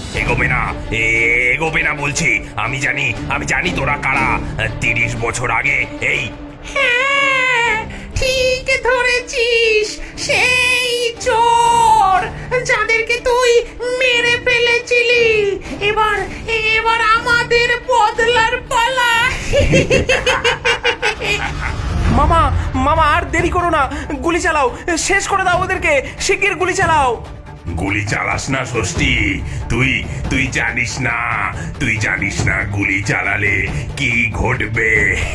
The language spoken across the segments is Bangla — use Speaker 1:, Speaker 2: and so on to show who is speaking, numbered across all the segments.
Speaker 1: এগোবে না, এগোবে না বলছি। আমি জানি তোরা কারা। 30 বছর আগে এই
Speaker 2: হ্যাঁ, ঠিক ধরেছিস, সেই চোর যাদেরকে তুই মেরে ফেলেছিলি। এবার এবার আমাদের বদলার পালা।
Speaker 3: মামা মামা আর দেরি করো না, গুলি চালাও, শেষ করে দাও ওদেরকে, শিগগির গুলি চালাও।
Speaker 1: গুলি চালাস না ষষ্ঠী। তুই জানিস না গুলি চালালে কি ঘটবে।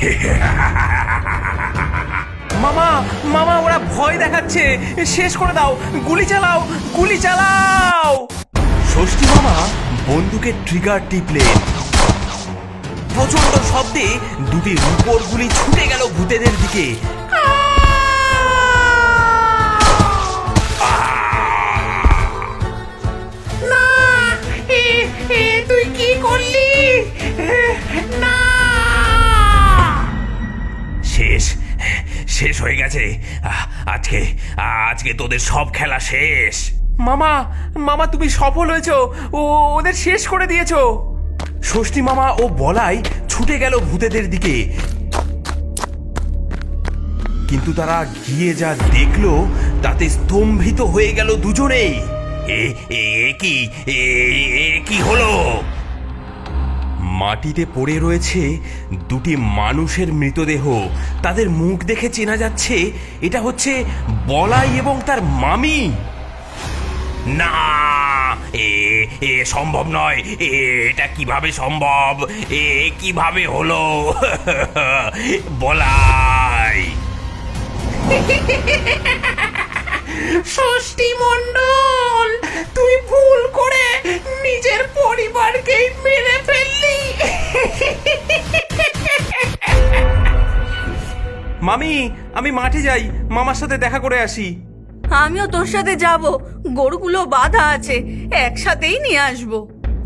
Speaker 3: মামা মামা ওরা ভয় দেখাচ্ছে, শেষ করে দাও, গুলি চালাও, গুলি চালাও। ষষ্ঠী মামা বন্দুকের ট্রিগার টিপলেন। প্রচন্ড শব্দে দুটি রূপোর গুলি ছুটে গেল ভূতেদের দিকে।
Speaker 2: না, তুই কি করলি? না,
Speaker 1: শেষ হয়ে গেছে। আজকে তোদের সব খেলা শেষ।
Speaker 3: মামা মামা তুমি সফল হয়েছো, ওদের শেষ করে দিয়েছো। ষষ্ঠী মামা ও বলাই ছুটে গেল ভূতেদের দিকে, কিন্তু তারা গিয়ে যা দেখলো তাতে স্তম্ভিত হয়ে গেল দুজনেই।
Speaker 1: কি হলো?
Speaker 3: মাটিতে পড়ে রয়েছে দুটি মানুষের মৃতদেহ। তাদের মুখ দেখে চেনা যাচ্ছে এটা হচ্ছে বলাই এবং তার মামি।
Speaker 1: না, এ সম্ভব নয়। এটা কিভাবে সম্ভব? কিভাবে হলো? বলাই,
Speaker 2: ষষ্ঠী মণ্ডল, তুই ভুল করে নিজের পরিবারকেই মেরে ফেললি।
Speaker 3: মামি আমি মাঠে যাই, মামার সাথে দেখা করে আসি।
Speaker 4: আমিও তোর সাথে যাব, গরুগুলো বাঁধা আছে, একসাথেই নিয়ে আসবো।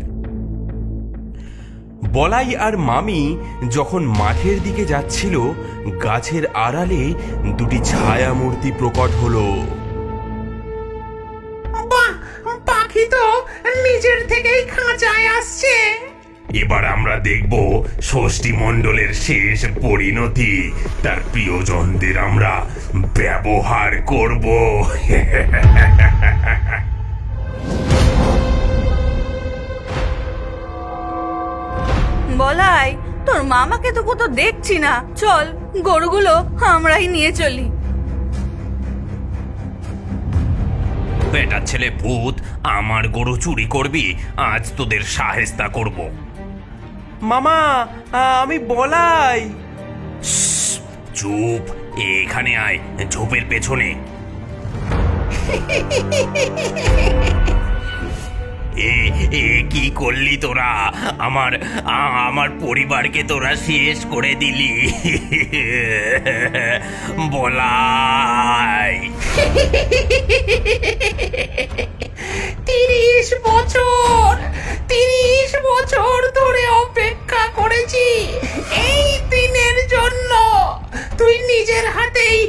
Speaker 3: বলাই আর মামি যখন মাঠের দিকে যাচ্ছিল, গাছের আড়ালে দুটি ছায়া মূর্তি প্রকট হলো।
Speaker 2: বাহ, পাখি তো নিজের থেকেই খাঁচায় আসছে।
Speaker 1: এবার আমরা দেখব ষষ্ঠী মণ্ডলের শেষ পরিণতি। তার প্রিয়জনদের আমরা ব্যবহার করব।
Speaker 4: বলাই, তোর মামাকে তো কোথাও দেখছি না, চল গরুগুলো আমরাই নিয়ে চলি।
Speaker 1: বেটা ছেলে ভূত, আমার গরু চুরি করবি, আজ তোদের শায়েস্তা করব।
Speaker 3: মামা আমি বলাই।
Speaker 1: চুপ, এখানে আয়, ঝোপের পেছনে। কি করলি তোরা? আমার পরিবারকে তোরা শেষ করে দিলি। বলাই,
Speaker 2: 30 বছর ধরে অপেক্ষা করেছি এই দিনের জন্য। তুই নিজের হাতেই